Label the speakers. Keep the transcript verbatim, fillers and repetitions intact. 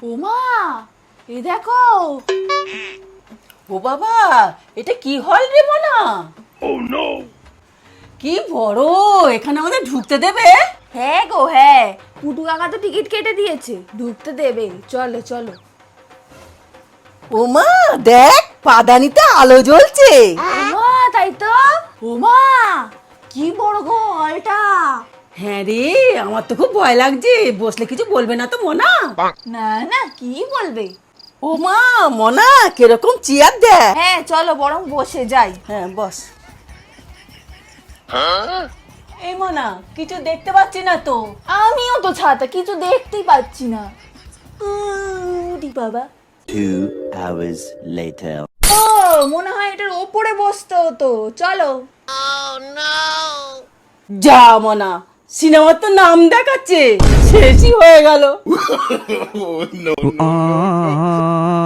Speaker 1: ওমা, এই দেখো।
Speaker 2: ও বাবা, এটা কি হল রে মনা?
Speaker 3: Oh no!
Speaker 2: কি বড়, এখানে আমাদের ঢুকতে দেবে?
Speaker 1: হ্যাঁ গো হ্যাঁ, পুটু কাকা তো টিকিট কেটে দিয়েছে, ঢুকতে দেবে। চলো চলো।
Speaker 2: ওমা দেখ, পাদানিতে আলো জ্বলছে।
Speaker 1: ওমা তাই তো। ওমা কি বড় গো হলটা।
Speaker 2: হ্যাঁ রে, আমার তো খুব ভয় লাগছে। বসলে কিছু বলবে না তো মনা?
Speaker 1: না না, কি বলবে।
Speaker 2: ওমা মনা, কিরকম চেয়ার দেখ।
Speaker 1: হ্যাঁ চলো বরং বসে যাই।
Speaker 2: হ্যাঁ বস। এই মনা, কিছু দেখতে পাচ্ছি না তো।
Speaker 1: আমিও তো ছাতা, কিছু দেখতেই পাচ্ছি না। উরি বাবা।
Speaker 4: Two hours later.
Speaker 1: ও মনে হয় এটার ওপরে বসতে হতো। চলো।
Speaker 2: যা মনা, সিনেমার তো নাম দেখাচ্ছে, শেষই হয়ে গেল।
Speaker 3: Oh no! no.